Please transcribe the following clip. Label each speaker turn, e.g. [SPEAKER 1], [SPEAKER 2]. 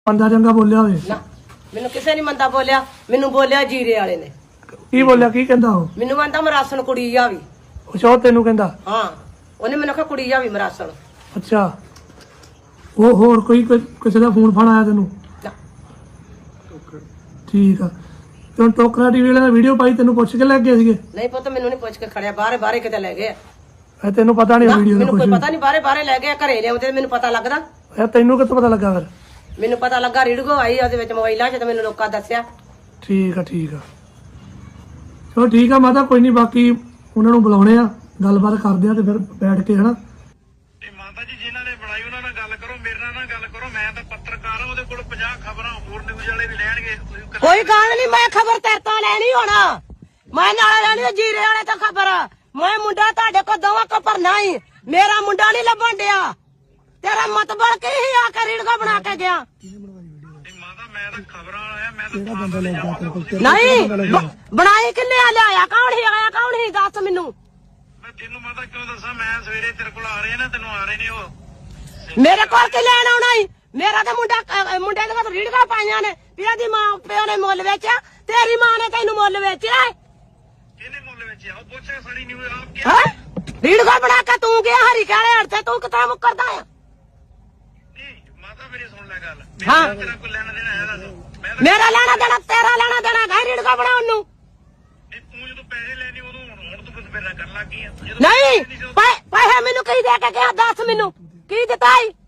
[SPEAKER 1] ਬੰਦਾ ਚੰਗਾ ਬੋਲਿਆ ਹੋਵੇ
[SPEAKER 2] ਨਾ ਮੈਨੂੰ ਕਿਸੇ ਨਹੀਂ ਮੰਦਾ ਬੋਲਿਆ, ਮੈਨੂੰ ਬੋਲਿਆ ਜੀਰੇ ਵਾਲੇ ਨੇ।
[SPEAKER 1] ਕੀ ਬੋਲਿਆ, ਕੀ ਕਹਿੰਦਾ ਉਹ?
[SPEAKER 2] ਮੈਨੂੰ ਆਂਦਾ ਮਰਾਸਣ ਕੁੜੀ ਜਾਵੀ।
[SPEAKER 1] ਅੱਛਾ, ਤੈਨੂੰ ਕਹਿੰਦਾ?
[SPEAKER 2] ਹਾਂ, ਉਹਨੇ ਮੈਨੂੰ ਕਿਹਾ ਕੁੜੀ ਜਾਵੀ ਮਰਾਸਣ।
[SPEAKER 1] ਅੱਛਾ, ਉਹ ਹੋਰ ਕੋਈ ਕਿਸੇ ਦਾ ਫੋਨ ਫਾਨ ਆਇਆ ਤੈਨੂੰ? ਠੀਕ ਆ। ਤੇ ਟੋਕਰਾ ਟੀਵੀ ਵਾਲੇ ਨੇ ਵੀਡੀਓ ਪਾਈ, ਤੈਨੂੰ ਪੁੱਛ ਕੇ ਲੈ ਗਏ ਸੀਗੇ?
[SPEAKER 2] ਨਹੀਂ ਪੁੱਤ, ਮੈਨੂੰ ਨਹੀਂ ਪੁੱਛ ਕੇ ਖੜਿਆ, ਬਾਹਰੇ ਬਾਹਰੇ ਕਿਤੇ ਲੈ ਗਏ।
[SPEAKER 1] ਤੈਨੂੰ ਪਤਾ ਨਹੀਂ ਵੀਡੀਓ ਦਾ?
[SPEAKER 2] ਮੈਨੂੰ ਕੋਈ ਪਤਾ ਨਹੀਂ, ਬਾਹਰੇ ਬਾਹਰੇ ਲੈ ਗਏ, ਘਰੇ ਲਿਆਉਂਦੇ ਮੈਨੂੰ ਪਤਾ ਲੱਗਦਾ।
[SPEAKER 1] ਤੈਨੂੰ ਕਿੱਥੋਂ ਪਤਾ ਲੱਗਾ ਫਿਰ?
[SPEAKER 2] ਮੈਨੂੰ ਪਤਾ ਲੱਗਾ ਰੀਡਗੋ ਆਈ ਉਹਦੇ ਵਿੱਚ ਮੋਬਾਈਲਾਂ 'ਚ, ਤੇ ਮੈਨੂੰ ਲੋਕਾਂ ਦੱਸਿਆ।
[SPEAKER 1] ਠੀਕ ਆ, ਠੀਕ ਆ, ਚਲੋ ਠੀਕ ਆ ਮਾਤਾ, ਕੋਈ ਨਹੀਂ, ਬਾਕੀ ਉਹਨਾਂ ਨੂੰ ਬੁਲਾਉਣੇ ਆ, ਗੱਲਬਾਤ ਕਰਦੇ ਆ ਤੇ ਫਿਰ ਬੈਠ ਕੇ ਹਨਾ।
[SPEAKER 3] ਮਾਤਾ ਜੀ ਜਿਨ੍ਹਾਂ ਨੇ ਬਣਾਈ ਉਹਨਾਂ ਨਾਲ ਗੱਲ ਕਰੋ, ਮੇਰੇ ਨਾਲ ਗੱਲ ਕਰੋ। ਮੈਂ ਤਾਂ ਪੱਤਰਕਾਰ ਹਾਂ, ਉਹਦੇ ਕੋਲ 50 ਖਬਰਾਂ ਹੋਰ ਨਿਊਜ਼ ਵਾਲੇ ਵੀ ਲੈਣਗੇ।
[SPEAKER 2] ਕੋਈ ਗੱਲ ਨਹੀਂ, ਮੈਂ ਖਬਰ ਤੇਰੇ ਤੋਂ ਲੈਣੀ ਹੋਣਾ, ਮੈਂ ਨਾਲ ਲੈਣੀ ਜੀਰੇ ਵਾਲੇ ਤੋਂ ਖਬਰ। ਮੈਂ ਮੁੰਡਾ ਤੁਹਾਡੇ ਕੋਲ ਦੋਵਾਂ ਕੋ ਭਰਨਾ ਹੀ, ਮੇਰਾ ਮੁੰਡਾ ਨਹੀਂ ਲੱਭਣ ਡਿਆ। ਤੇਰਾ ਮਤਬਲ ਕੀ ਹੀ ਆ ਕੇ ਰੀਡਗੋ ਬਣਾ ਕੇ ਗਿਆ?
[SPEAKER 3] ਮਾਤਾ ਮੈਂ ਤਾਂ ਖਬਰਾਂ ਆਇਆ, ਮੈਂ ਤਾਂ
[SPEAKER 2] ਨਹੀਂ ਬਣਾਈ ਕਿੰਨੇ ਆ, ਲਿਆਇਆ ਕੌਣ ਹੀ, ਆਇਆ ਕੌਣ ਹੀ, ਦੱਸ ਮੈਨੂੰ।
[SPEAKER 3] ਮੈਂ ਤੈਨੂੰ ਮਾਤਾ ਕਿਉਂ ਦੱਸਾਂ, ਮੈਂ ਸਵੇਰੇ ਤੇਰੇ ਕੋਲ ਆ ਰਹੇ ਨਾ, ਤੈਨੂੰ ਆ ਰਹੇ ਨੇ ਉਹ।
[SPEAKER 2] ਮੇਰੇ ਕੋਲ ਕੀ ਲੈਣ ਆਉਣਾ ਹੀ? ਮੇਰਾ ਤਾਂ ਮੁੰਡੇ ਦੇ ਰੀਡਗੋ ਪਾਈਆਂ ਨੇ, ਪਿਆ ਦੀ ਮਾਂ ਪਿਓ ਨੇ ਮੁੱਲ ਵੇਚਿਆ, ਤੇਰੀ ਮਾਂ ਨੇ ਤੈਨੂੰ ਮੁੱਲ ਵੇਚਿਆ।
[SPEAKER 3] ਕਿਹਨੇ ਮੁੱਲ ਵੇਚਿਆ? ਉਹ ਪੁੱਛੇ ਸਾਡੀ ਨਿਊਜ਼ ਆਪ ਕੀ
[SPEAKER 2] ਹਾਂ, ਰੀਡਗੋ ਬਣਾ ਕੇ ਤੂੰ ਗਿਆ ਹਰੀ ਕਾਲੇ ਹੱਥ, ਤੂੰ ਕਿੱਥੇ ਮੁੱਕਰਦਾ ਆ?
[SPEAKER 3] ਮਾਤਾ ਮੇਰੀ ਸੁਣ ਲੈ ਗੱਲ,
[SPEAKER 2] ਹਾਂ,
[SPEAKER 3] ਤੇਰਾ ਕੋਈ ਲੈਣਾ ਦੇਣਾ ਹੈ ਦੱਸ।
[SPEAKER 2] ਮੇਰਾ ਲੈਣਾ ਦੇਣਾ, ਤੇਰਾ ਲੈਣਾ ਦੇਣਾ ਹੈ ਰੀਡਗੋ ਬਣਾਉਣ ਨੂੰ।
[SPEAKER 3] ਤੂੰ ਜਦੋਂ ਪੈਸੇ ਲੈਣੇ ਉਦੋਂ ਹੁਣ ਤੂੰ ਕੁਝ ਮੇਰੇ ਨਾਲ ਕਰਨ ਲੱਗ ਗਈ ਆ।
[SPEAKER 2] ਨਹੀਂ ਪੈਸੇ ਮੈਨੂੰ ਕੀ ਦੇ ਕੇ ਗਿਆ, ਦੱਸ ਮੈਨੂੰ ਕੀ ਦਿੱਤਾ ਈ?